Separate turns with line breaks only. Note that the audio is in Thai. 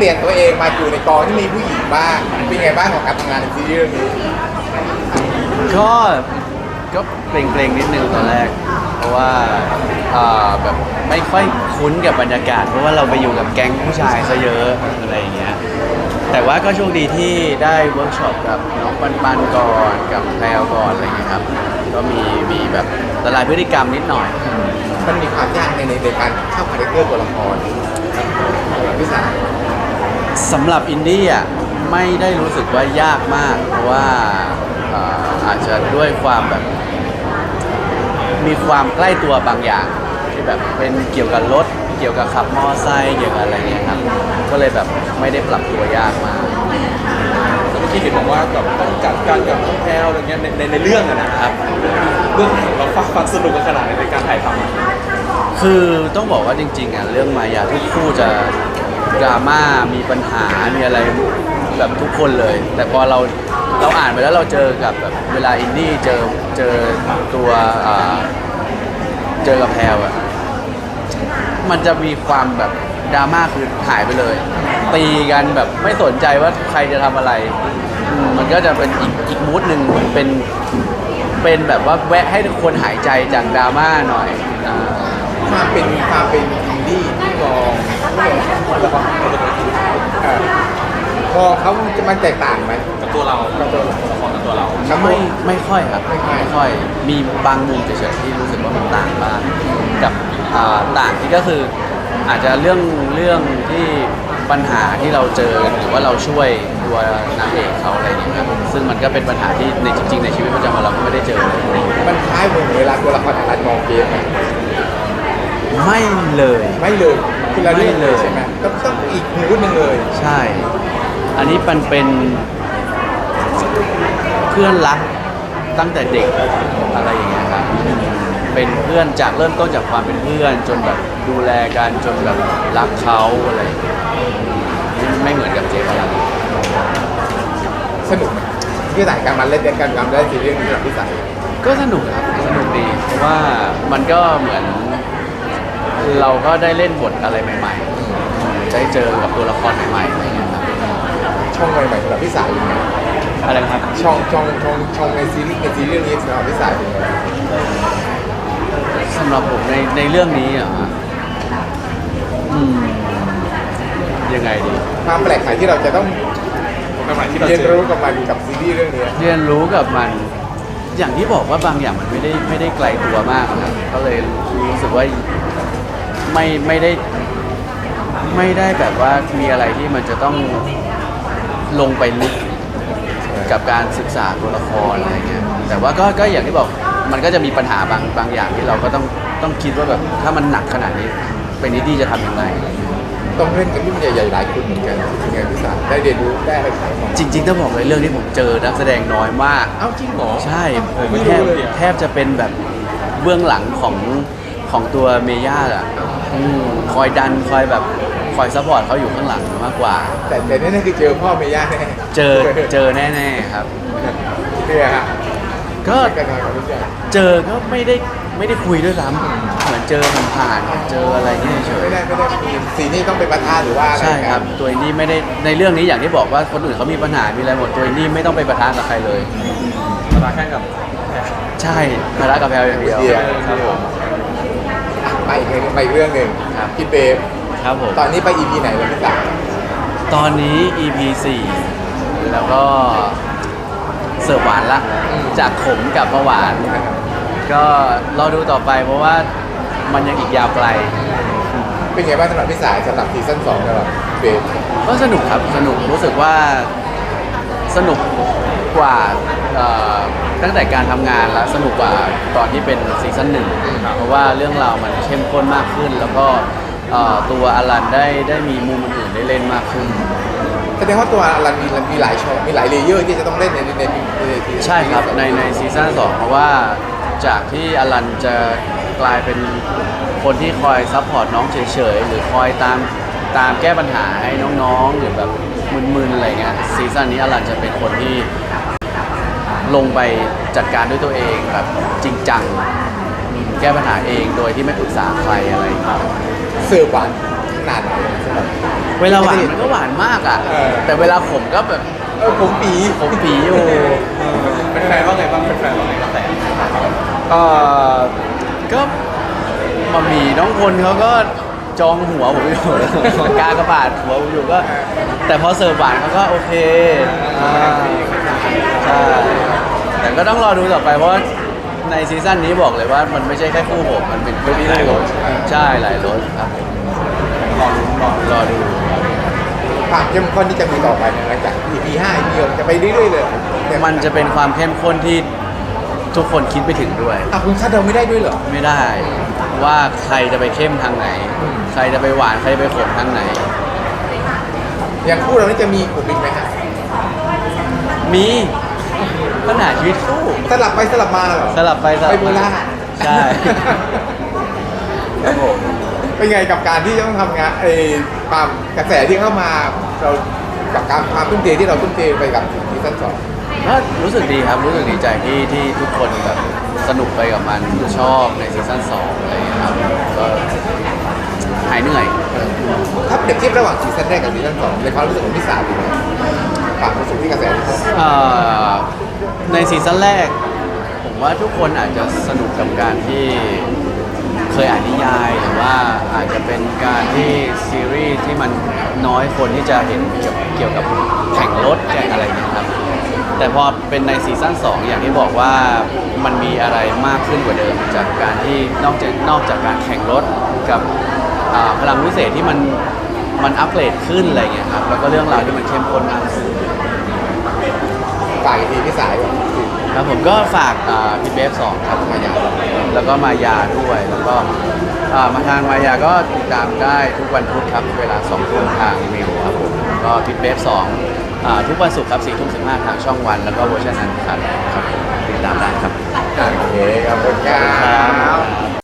ลี่ยนตัวเองมาอยู่ในกองที่มีผู้หญิงบ้างเป็นไงบ้างของการทำงานในซีรีส์เรื่องนี้
ก็ก็เกรงๆนิดนึงตอนแรก เพราะว่าแบบไม่ค่อยคุ้นกับบรรยากาศ เพราะว่าเราไปอยู่กับแก๊งผู้ชายซะเยอะอะไรอย่างเงี้ยแต่ว่าก็โชคดีที่ได้เวิร์กช็อปกับน้องปันก่อนกับแพลวก่อนอะไรเงี้ยครับก็มีแบบละลายพฤติกรรมนิดหน่อย
มันมีความยากในการเข้าคาแรคเตอร์ตัวละครพี่สาว
สำหรับอินดี้อ่ะไม่ได้รู้สึกว่ายากมาก เพราะว่าอาจจะด้วยความแบบมีความใกล้ตัวบางอย่างที่แบบเป็นเกี่ยวกับรถเกี่ยวกับขับมอไซค์เกี่ยวกับอะไรเงี้ยครับก็เลยแบบไม่ได้ปรับตัวยากมาก
เมื่อกี้เห็นบอกว่าแบบต้องจัดการกับน้องแพลวอะไรเงี้ยในเรื่องอะนะครับเรื่องเราฟังสนุกกันขนาดไหนในการถ่ายทำอะ
คือต้องบอกว่าจริงๆอ่ะเรื่องมายาทุกคู่จะดราม่ามีปัญหามีอะไรแบบทุกคนเลย แต่พอเราอ่านไปแล้วเราเจอกับแบบเวลาอินดี้เจอตัวเจอกับแพลวอ่ะมันจะมีความแบบดราม่าคือหายไปเลย ตีกันแบบไม่สนใจว่าใครจะทำอะไรมันก็จะเป็นอีกมูดหนึ่งเป็นแบบว่าแวะให้ทุกคนหายใจจากดราม่าหน่อย
ความเป็นอินดี้ที่มองแล้วก็พอเขาจะมันแตกต่างไหม
กับตัวเรา
กับตัวเรา
ละครกับตัวเรา
ครับ
ไม่ค่อยครับ
ไม่ค่อย
ค่อยมีบางมุมเฉยๆที่รู้สึกว่ามันต่างบ้างกับต่างที่ก็คืออาจจะเรื่องที่ปัญหาที่เราเจอหรือว่าเราช่วยตัวนางเอกเขาอะไรอย่างเงี้ยครับซึ่งมันก็เป็นปัญหาที่ในจริงๆในชีวิตประจำวันเราก็ไม่ได้เจอ
มันคล้ายเหมือนเวลาตัวละครอะไรมองเกม
ไม่เลย
ไม่เลยคือเราเล่น
ไม่เลย
ใช่ไหมต้องอีกมูดหนึงเลย
ใช่ อันนี้มันเป็นเพื่อนรักตั้งแต่เด็กอะไรอย่างเงี้ยครับ เป็นเพื่อนจากเริ่มต้นจากความเป็นเพื่อนจนแบบดูแลกันจนแบบรักเขาอะไรอย่างเงี้ยไม่เหมือนกับเจฟอะไร
สนุกไหมที่สายการมาเล่นกันทำได้ซีรีส์นี้กับพี่สาย
ก็สนุกครับสนุกดีเพราะว่ามันก็เหมือนเราก็ได้เล่นบทอะไรใหม่ๆได้เจอกับตัวละครใหม่ๆอะไรอย่างเงี้ยครับ
ช่องใหม่ๆสำหรับพี่สายยังไง
อะไรนะครับ
ช่องในซีรีส์เรื่องนี้สำหรับพี่สายเป็นไง
สำหรับผมในเรื่องนี้อ่ะยังไงดี
ความแปลกใหม่ที่เราจะต้อง
ใหม่ๆที่เรา
เรียน
เจอ
รู้กับมันกับซีรีส์เรื่องนี้
เรียนรู้กับมันอย่างที่บอกว่าบางอย่างมันไม่ได้ไกลตัวมากครับก็เลยรู้สึกว่าไม่ได้แบบว่ามีอะไรที่มันจะต้องลงไปลึกกับการศึกษาตัวละครอะไรเงี้ยแต่ว่าก็อย่างที่บอกมันก็จะมีปัญหาบางอย่างที่เราก็ต้องคิดว่าแบบถ้ามันหนักขนาดนี้เป็นนิดี้จะทำยังไง
ต้องเล่นกับรุ่นใหญ่ๆหลายคนเหมือนกันเป็นไงพี่สายได้เรียนรู้ได้อะไรขายของ
จริงๆต้องบอกเลยเรื่องที่ผมเจอนักแสดงน้อยมาก
เอ้าจริงเหรอ
ใช่
ไม่
แท
รู้
บ
เลย
แทบจะเป็นแบบเบื้องหลังของตัวเมย่าอ่ะคอยดันคอยแบบคอยซัพพอร์ตเขาอยู่ข้างหลังมากกว่า
แต่นี่คือเจอพ่อเมย่าแน่
เจอแน่ๆครับ
เนี่ยฮะ
ก็
การงานกับรุ่นใหญ่
เจอก็ไม่ได้คุยด้วยซ้ำเหมือนเจอผ่านๆเจออะไรเงี้ยเฉย
ไม่ได้มีซีนี่ต้องเป็นประธานหรือว่าอะไร
ใช่ครับตัวอินดี้ไม่ได้ในเรื่องนี้อย่างที่บอกว่าคนอื่นเขามีปัญหามีอะไรหมดตัวอินดี้ไม่ต้องไปประทานกับใครเลย
มาลาแค่กับ
ใช่มารักกับแพลวอย่างเดียวครับผม
ไปอีกเรื่องหนึ่ง
ครับ
พี่เบฟ
ครับผม
ตอนนี้ไป EP ไหนแล้วพี่สาย
ตอนนี้ EP 4 แล้วก็เสิร์ฟหวานละจากขมกลับมาหวาน ก็รอดูต่อไปเพราะว่ามันยังอีกยาวไกล
เป็นไงบ้างสำหรับพี่สายสำหรับซีซั่น2สำหรับเบฟ
ก็สนุกครับสนุกรู้สึกว่าสนุกกว่าตั้งแต่การทำงานแล้วสนุกกว่าตอนที่เป็นซีซั่นหนึ่งเพราะว่าเรื่องราวมันเข้มข้นมากขึ้น แล้วก็ตัวอลันได้มีมุมอื่นได้เล่นมากขึ้น
แสดงว่าตัวรันมีหลายช่องมีหลายเลเยอร์ที่จะต้องเล่นใน
ใช่ครับในซีซั่น2เพราะว่าจากที่อลันจะกลายเป็นคนที่คอยซัพพอร์ตน้องเฉยๆหรือคอยตามแก้ปัญหาให้น้องๆหรือแบบมึนๆอะไรเงี้ยซีซั่นนี้อลันจะเป็นคนที่ลงไปจัดการด้วยตัวเองแบบจริงจังแก้ปัญหาเองโดยที่ไม่ปรึกษาใครอะไรอย่างเงี้ย
เสิร์ฟหวานนาดไหนสำหรับ
เวลาหวานมันก็หวานมากอ่ะ
เออ
แต่เวลาขมก็แบบ
ผมปี
ขมปีอยู่
เป็นแฟนว่าไงบ้างเป็นแฟนว่าไงบ้างแต่
เออก็มามีน้องพลเขาก็จองหัวผมอยู่ กากระบาดหัวผมอยู่ก็ แต่พอเสิร์ฟหวานเขาก็โอเคใช่แต่ก็ต้องรอดูต่อไปเพราะว่าในซีซั่นนี้บอกเลยว่ามันไม่ใช่แค่คู่ผมมันเป็นคู่ที่หลายรสใช่หลายรสครับผมรอดู
ความเข้มข้นที่จะมีต่อไปเนี่ยหลังจาก EP 5 EP 6จะไปเรื่อยๆเลย
มันจะเป็นความเข้มข้นที่ทุกคนคิดไปถึงด้วย
คุณคาดเดาไม่ได้ด้วยเหรอ
ไม่ได้ว่าใครจะไปเข้มทางไหน ใครจะไปหวานใครจะไปขมทางไหน
อย่างคู่เรานี่จะมีกลุ่มอีกไหมฮะ
มีปัญหาชีวิตคู่
สลับไปสลับมาเหรอ
สลับไปสลับ
ไปโบ
มา
ราณ
ใช่ครับผม
เป็นไงกับการที่ต้องทำงานความกระแสที่เข้ามาเรากับการความทุ่มเทที่เราทุ่มเทไปกับซีซั่น2
ก็รู้สึกดีครับรู้สึกดีใจที่ทุกคนแบบสนุกไปกับมันชอบในซีซั่น2อะไรอย่างเงี้ยครับก็หายเหนื่อย
ถ้าเปรียบเทียบระหว่างซีซั่นแรกกับซีซั่น2ในความรู้สึกของพี่สาวเป็นไงความรู้สึกที่กระแสที่เข้ามา
ในซีซั่นแรก ผมว่าทุกคนอาจจะสนุกกับการที่เคยอ่านนิยาย หรือว่าอาจจะเป็นการที่ซีรีส์ที่มันน้อยคนที่จะเห็นเกี่ยวกับแข่งรถแข่งอะไรอย่างเงี้ยครับแต่พอเป็นในซีซั่น2อย่างที่บอกว่ามันมีอะไรมากขึ้นกว่าเดิมจากการที่นอกจากการแข่งรถกับพลังวิเศษที่มันอัปเกรดขึ้นอะไรเงี้ยครับแล้วก็เรื่องราวที่มันเข้มข้นมากขึ้น
ฝ่ายทีพี่สายก่อน
ครับผมก็ฝากพี่เบฟ2ครับมายาแล้วก็มายาด้วยแล้วก็มาทางมายาก็ติดตามได้ทุกวันพุธครับเวลา2 ทุ่มทางมิวครับผมแล้วก็พี่เบฟ2ทุกวันศุกร์ครับ4 ทุ่ม 15ทางช่องวันแล้วก็เวอร์ชันนั้นครับผมติดตามได้ครับ
โอเคขอบคุณครับ